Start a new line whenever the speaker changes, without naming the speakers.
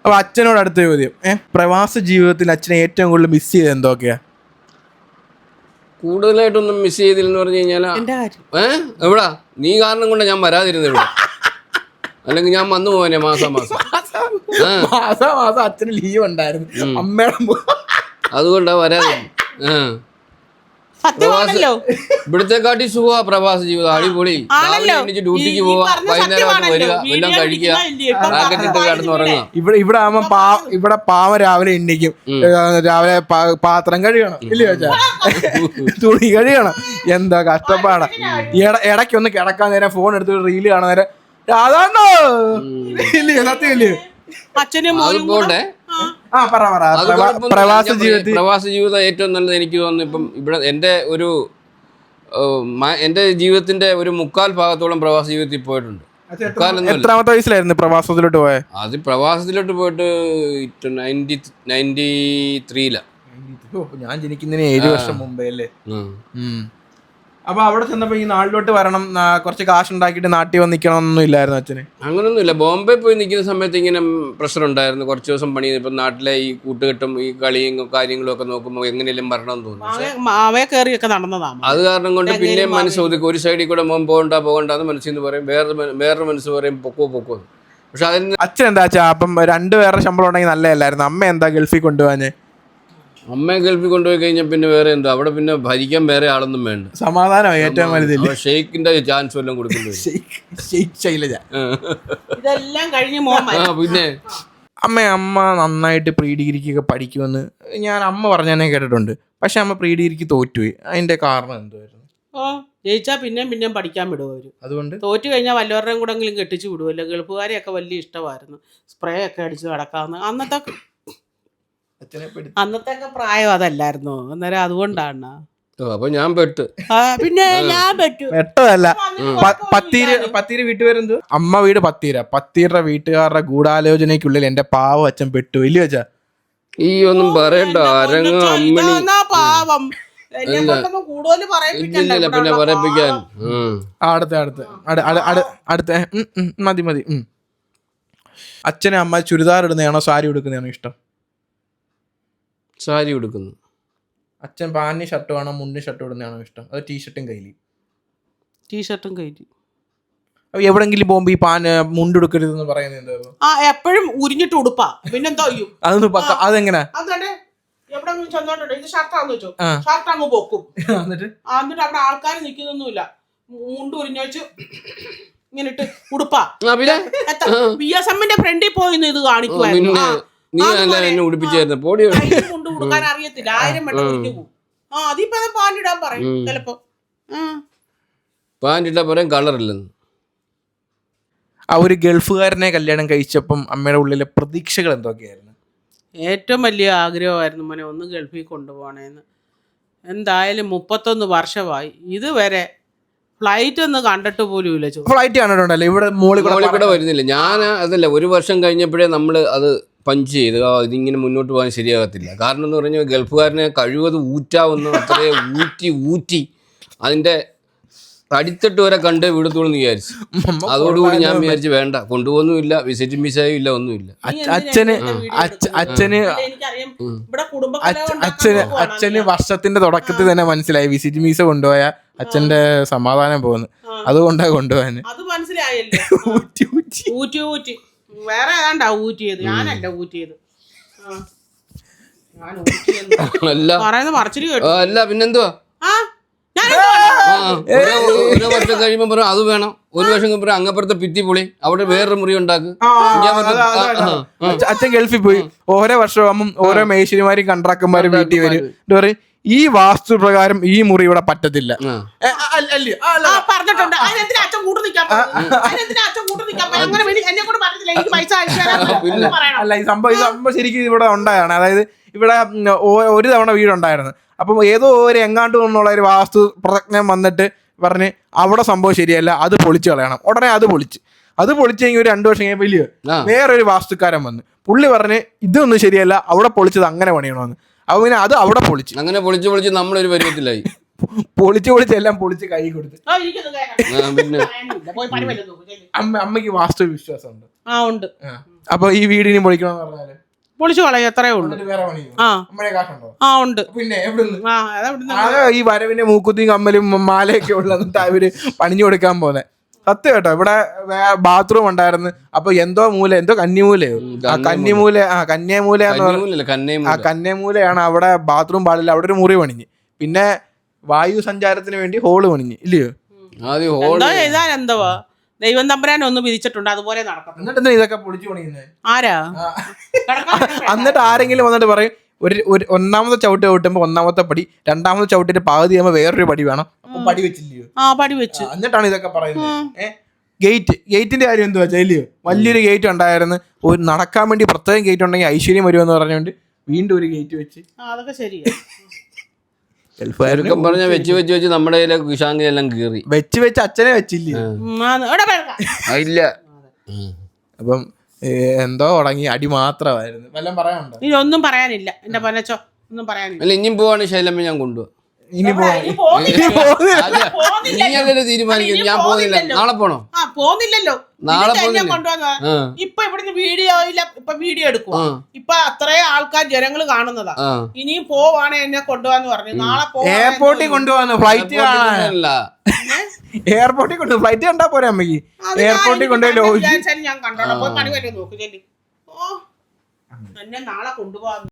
അപ്പൊ അച്ഛനോട് അടുത്ത ചോദ്യം, പ്രവാസ ജീവിതത്തിൽ അച്ഛനെ ഏറ്റവും കൂടുതൽ മിസ് ചെയ്ത് എന്തൊക്കെയാ?
കൂടുതലായിട്ടൊന്നും മിസ് ചെയ്തില്ലെന്ന് പറഞ്ഞു കഴിഞ്ഞാൽ എവിടാ നീ കാരണം കൊണ്ട് ഞാൻ വരാതിരുന്നത് ഇവിടെ, അല്ലെങ്കിൽ ഞാൻ വന്നു പോവാനെ മാസം
അച്ഛന് ലീവ് ഉണ്ടായിരുന്നു, അമ്മയുടെ
അതുകൊണ്ടാ വരാതെ. ഇവിടുത്തെ കാട്ടി സുഖ പ്രവാസ ജീവിതം, അടിപൊളി. ഡ്യൂട്ടിക്ക് പോവാ, വൈകുന്നേരം വരിക, എല്ലാം കഴിക്കുക, റാക്കറ്റിട്ട് കിടന്നുറങ്ങുക.
ഇവിടെ ആവുമ്പോ ഇവിടെ പാവ രാവിലെ എണ്ണിക്കും, രാവിലെ പാത്രം കഴുകണം, ഇല്ലയോ വെച്ചാ തുണി കഴുകണം, എന്താ കഷ്ടപ്പാടാ. ഇടയ്ക്കൊന്ന് കിടക്കാൻ നേരം ഫോൺ എടുത്ത് റീല് കാണാൻ നേരം അതാണോ ഇല്ലയോ, സത്യം ഇല്ലയോ?
അതുപോലെ പ്രവാസ ജീവിതം ഏറ്റവും നല്ലത് എനിക്ക് തോന്നുന്നു. ഇപ്പം ഇവിടെ എന്റെ ജീവിതത്തിന്റെ ഒരു 3/4 ഭാഗത്തോളം പ്രവാസ ജീവിതത്തിൽ പോയിട്ടുണ്ട്.
എത്രാമത്തെ വയസ്സിലായിരുന്നു പ്രവാസത്തിലോട്ട് പോയത്?
അത് പ്രവാസത്തിലോട്ട് പോയിട്ട് 93
ഞാൻ ജനിക്കുന്നതിന് 7 വർഷം മുമ്പേ അല്ലേ. അപ്പൊ അവിടെ ചെന്നപ്പോ ഈ നാട്ടിലോട്ട് വരണം, കുറച്ച് കാശ് ഉണ്ടാക്കിയിട്ട് നാട്ടിൽ വന്ന് നിൽക്കണമെന്നൊന്നും ഇല്ലായിരുന്നു അച്ഛന്?
അങ്ങനൊന്നും ഇല്ല. ബോംബെ പോയി നിൽക്കുന്ന സമയത്ത് ഇങ്ങനെ പ്രഷർ ഉണ്ടായിരുന്നു. കുറച്ച് ദിവസം പണി ചെയ്തപ്പോൾ നാട്ടിലെ ഈ കൂട്ടുകെട്ടും ഈ കളിയും കാര്യങ്ങളും ഒക്കെ നോക്കുമ്പോൾ എങ്ങനെയെങ്കിലും വരണം തോന്നുന്നു. അത് കാരണം കൊണ്ട് പിന്നെ മനസ്സ് ഒതുക്കും. ഒരു സൈഡിൽ കൂടെ പോകണ്ടെന്ന് മനസ്സിന്ന് പറയും, വേറൊരു മനസ്സ് പറയും പൊക്കോ. പക്ഷെ അതിന്
അച്ഛൻ എന്താ വെച്ചാ അപ്പം 2 പേരുടെ ശമ്പളം ഉണ്ടെങ്കിൽ നല്ലതല്ലായിരുന്നു. അമ്മ എന്താ ഗൾഫിൽ കൊണ്ടുപോകാന്?
അമ്മയെ ഗൾഫിൽ കൊണ്ടുപോയി കഴിഞ്ഞാൽ പിന്നെ വേറെ എന്താ, അവിടെ പിന്നെ ഭരിക്കാൻ വേറെ ആളൊന്നും വേണ്ട,
സമാധാനം ഏറ്റവും വലുതില്ല.
ഷെയ്ക്കിന്റെ ചാൻസ് വല്ലതും കൊടുക്കുന്നത്. പിന്നെ
അമ്മ നന്നായിട്ട് പ്രീ ഡിഗ്രിക്കൊക്കെ പഠിക്കുമെന്ന് ഞാൻ അമ്മ പറഞ്ഞതന്നെ കേട്ടിട്ടുണ്ട്. പക്ഷെ അമ്മ പ്രീ ഡിഗ്രിക്ക് തോറ്റുപോയി. അതിന്റെ കാരണം എന്തുവായിരുന്നു?
ജയിച്ചാ പിന്നെയും പഠിക്കാൻ വിടും അവര്.
അതുകൊണ്ട്
തോറ്റു കഴിഞ്ഞാൽ വല്ലവരുടെയും കൂടെങ്കിലും കെട്ടിച്ചു വിടുമല്ലോ. ഗൾഫുകാരെയൊക്കെ വലിയ ഇഷ്ടമായിരുന്നു, സ്പ്രേ ഒക്കെ അടിച്ച് നടക്കാവുന്ന. അന്നത്തെ പ്രായം അതല്ലായിരുന്നോ അന്നേരം, അതുകൊണ്ടാണ്.
അപ്പൊ ഞാൻ പെട്ട്.
പിന്നെ ഞാൻ പെട്ടു.
പെട്ടതല്ല, പത്തീര് വീട്ടുപേരെന്ത്? അമ്മ വീട് പത്തീരുടെ വീട്ടുകാരുടെ ഗൂഢാലോചനയ്ക്കുള്ളിൽ എന്റെ പാവം അച്ഛൻ പെട്ടു, ഇല്ല വെച്ചാ?
ഈ ഒന്നും പറയണ്ട, അരങ്ങ അമ്മണി
പാവം.
പിന്നെ പറയിപ്പിക്കാൻ.
അടുത്ത മതി. അച്ഛനെ അമ്മ ചുരിദാർ ഇടുന്നതാണോ സാരി ഉടുക്കുന്നതാണോ ഇഷ്ടം?
സാരി ഉടുക്കുന്നു.
അച്ഛൻ പാന്റി ഷർട്ടും ആണോ മുണ്ടും ഷർട്ടും ഇടുന്നതാണോ ഇഷ്ടം? അത് ടീഷർട്ടും കയ്യില്? എവിടെങ്കിലും പോകുമ്പോ ഈ മുണ്ടെടുക്കരുതെന്ന് പറയുന്നത്
എപ്പോഴും ഉരിഞ്ഞിട്ട് ഉടുപ്പാ, പിന്നെന്താ ചെയ്യും?
അതെങ്ങനെ?
എവിടെങ്കിലും ചെന്നോട്ടോ ഇത് ഷർട്ടാന്ന് വെച്ചോ, ഷർട്ട് അങ്ങ് പൊക്കും. എന്നിട്ട് അവിടെ ആൾക്കാർ നിൽക്കുന്നൊന്നുമില്ല, മുണ്ട് ഉരിഞ്ഞു വെച്ച് ഇങ്ങനെ ഇട്ട് ഉടുപ്പാ. BSMന്റെ ഫ്രണ്ടിൽ പോയിന്ന് ഇത് കാണിക്കുവായിരുന്നു. കൊണ്ട് കൊടുക്കാൻ അറിയത്തില്ല, 1000 വട്ടം ഉരിഞ്ഞു പോകും. അതിപ്പോ പാൻറിടാൻ പറയും ചിലപ്പോ.
പാൻറിട്ടാ പറയും കളറില്ലെന്ന്.
ആ ഒരു ഗൾഫുകാരനെ കല്യാണം കഴിച്ചപ്പം അമ്മയുടെ ഉള്ളിലെ പ്രതീക്ഷകൾ എന്തൊക്കെയായിരുന്നു?
ഏറ്റവും വലിയ ആഗ്രഹമായിരുന്നു മോനെ ഒന്ന് ഗൾഫിൽ കൊണ്ടുപോകണേന്ന്. എന്തായാലും 31 വർഷമായി ഇതുവരെ ഫ്ലൈറ്റ് ഒന്ന് കണ്ടിട്ട് പോലും ഇല്ല.
ഫ്ലൈറ്റ് കണ്ടിട്ടുണ്ടല്ലോ, ഇവിടെ മോളിൽ
കൂടെ വരുന്നില്ല. ഞാൻ അതല്ല, 1 വർഷം കഴിഞ്ഞപ്പോഴേ നമ്മൾ അത് പഞ്ച് ചെയ്ത് ഇതിങ്ങനെ മുന്നോട്ട് പോകാൻ ശരിയാകത്തില്ല. കാരണം എന്ന് പറഞ്ഞാൽ ഗൾഫുകാരനെ കഴിവത് ഊറ്റാവുന്ന അത്രേ ഊറ്റി അതിൻ്റെ അടിത്തട്ട് വരെ കണ്ട് വിടത്തോളെന്ന് വിചാരിച്ചു. അതോടുകൂടി ഞാൻ വിചാരിച്ചു വേണ്ട, കൊണ്ടുപോകുന്നുമില്ല, വിസിറ്റിംഗ് വിസയും ഇല്ല, ഒന്നുമില്ല.
അച്ഛന് വർഷത്തിന്റെ തുടക്കത്തിൽ തന്നെ മനസ്സിലായി വിസിറ്റിംഗ് വിസ കൊണ്ടുപോയ അച്ഛന്റെ സമാധാനം പോകുന്നു, അതുകൊണ്ടാ കൊണ്ടുപോകാൻ.
അത് മനസ്സിലായല്ലോ. ഊറ്റി വേറെ ഏതാണ്ടാ ഊറ്റിയത്, ഞാനല്ല ഊറ്റിയത്.
അല്ല പിന്നെന്തുവാ, 1 വർഷം കഴിയുമ്പോ പറയും അത് വേണം, 1 വർഷം കഴിയുമ്പോ അങ്ങപ്പുറത്തെ ഭിത്തി പൊളി, അവിടെ വേറൊരു മുറി ഉണ്ടാക്കും.
അച്ഛൻ ഗൾഫിൽ പോയി ഓരോ വർഷമാകുമ്പം ഓരോ മേശരിമാരും കൺട്രാക്ടർമാരും വീട്ടിൽ വരും, പറയും ഈ വാസ്തു പ്രകാരം ഈ മുറി ഇവിടെ പറ്റത്തില്ല. അല്ല, ഈ സംഭവം ശരിക്കും ഇവിടെ ഉണ്ടായാണ്. അതായത് ഇവിടെ ഒരു തവണ വീടുണ്ടായിരുന്നു. അപ്പം ഏതോ ഒരു എങ്ങാണ്ട് എന്നുള്ള ഒരു വാസ്തു പ്രജ്ഞം വന്നിട്ട് പറഞ്ഞ് അവിടെ സംഭവം ശരിയല്ല, അത് പൊളിച്ചു കളയണം. ഉടനെ അത് പൊളിച്ചെങ്കിൽ ഒരു 2 വർഷം കഴിഞ്ഞപ്പോൾ വലിയ വേറൊരു വാസ്തുക്കാരൻ വന്ന് പുള്ളി പറഞ്ഞ് ഇതൊന്നും ശരിയല്ല, അവിടെ പൊളിച്ചത് അങ്ങനെ പണിയണമെന്ന്. അപ്പൊ പിന്നെ അത് അവിടെ പൊളിച്ച്
അങ്ങനെ പൊളിച്ച് നമ്മളൊരു പരുവത്തിലായി.
പൊളിച്ച് എല്ലാം പൊളിച്ച് കൈ കൊടുത്ത്. അമ്മയ്ക്ക് വാസ്തു വിശ്വാസം ഉണ്ട്?
ഉണ്ട്.
അപ്പൊ ഈ വീടിനും പൊളിക്കണമെന്ന് പറഞ്ഞാല്
പൊളിച്ചു കളയും, എത്രയേ ഉള്ളൂ.
വേറെ പണിയോ?
ആ
നമ്മളെ കാശുണ്ടോ?
ആ ഉണ്ട്.
പിന്നെ എവിടുന്ന്?
ആ അതെവിടുന്ന്?
ആകെ ഈ വരവിന്റെ മൂക്കുത്തിയും കമ്മലും മാലയൊക്കെ ഉള്ളതിട്ട് അവര് പണിഞ്ഞു കൊടുക്കാൻ പോലെ. സത്യം കേട്ടോ. ഇവിടെ ബാത്റൂം ഉണ്ടായിരുന്നു. അപ്പൊ എന്തോ മൂല, എന്തോ കന്നിമൂലയോ, കന്നിമൂല, കന്യാമൂല എന്ന് പറഞ്ഞ കന്യാമൂലയാണ്. അവിടെ ബാത്റൂം പാടില്ല, അവിടെ ഒരു മുറി പണിഞ്ഞ്. പിന്നെ വായു സഞ്ചാരത്തിന് വേണ്ടി ഹോള് പണിഞ്ഞ് ഇല്ലയോ?
എന്തോ ചെയ്താൽ എന്തുവാ, ദൈവം തമ്പുരാൻ ഒന്ന് വിധിച്ചിട്ടുണ്ട്, അതുപോലെ നടക്കണം.
എന്നിട്ട് ഇതൊക്കെ പൊളിച്ചു പണിയുന്നത്
ആരാ?
എന്നിട്ട് ആരെങ്കിലും വന്നിട്ട് പറയും ഒരു ഒന്നാമത്തെ ചവിട്ട് ചവിട്ടുമ്പോ ഒന്നാമത്തെ പടി, രണ്ടാമത്തെ ചവിട്ടിന്റെ പകുതി ആകുമ്പോ വേറൊരു പടി വേണം. അപ്പൊ പടി വെച്ചില്ലയോ?
ആ പടി വെച്ചു.
എന്നിട്ടാണ് ഇതൊക്കെ പറയുന്നത്. ഗേറ്റിന്റെ കാര്യം എന്ത് വെച്ചാൽ ഇല്ലയോ? വലിയൊരു ഗേറ്റ് ഉണ്ടായിരുന്നു. ഒരു നടക്കാൻ വേണ്ടി പ്രത്യേകം ഗേറ്റ് ഉണ്ടെങ്കിൽ ഐശ്വര്യം വരുമെന്ന് പറഞ്ഞുകൊണ്ട് വീണ്ടും ഒരു ഗേറ്റ് വെച്ച്.
അതൊക്കെ ശരിയാ.
പറഞ്ഞ വെച്ച് വെച്ച് വെച്ച് നമ്മുടെ കുശാങ്കി എല്ലാം കീറി
വെച്ച് അച്ഛനെ വെച്ചില്ലേ?
ഇല്ല.
അപ്പം എന്തോ തുടങ്ങി അടി മാത്രമായിരുന്നു. വല്ലതും പറയാനുണ്ടോ?
ഇനി ഒന്നും പറയാനില്ല എന്റെ പൊന്നച്ചോ, ഒന്നും പറയാനില്ല.
അല്ല ഇനിയും പോവാണ് ശൈലമ്മ, ഞാൻ കൊണ്ടുപോവാ.
ഇനി
നീയല്ലേ തീരുമാനിക്കും. ഞാൻ പോകുന്നില്ല. നാളെ പോണോ?
പോകുന്നില്ലല്ലോ.
നാളെ
കൊണ്ടുവന്ന ഇപ്പൊ ഇവിടുന്ന് വീഡിയോ ഇല്ല, ഇപ്പൊ വീഡിയോ എടുക്കുക. ഇപ്പൊ അത്രയും ആൾക്കാർ ജനങ്ങൾ കാണുന്നതാ. ഇനിയും പോവാണ് എന്നെ കൊണ്ടുപോവാന്ന് പറഞ്ഞു. നാളെ
എയർപോർട്ടിൽ കൊണ്ടുപോകാന്ന്, ഫ്ലൈറ്റ് കാണാനല്ല. എയർപോർട്ടിൽ കൊണ്ടു, ഫ്ലൈറ്റ് കണ്ടാ പോരെ അമ്മക്ക്. എയർപോർട്ടിൽ കൊണ്ടുപോയി
ഞാൻ കണ്ടോളാം. പോയി പണി വരെ നോക്ക്. ഓ എന്നെ നാളെ കൊണ്ടുപോകാൻ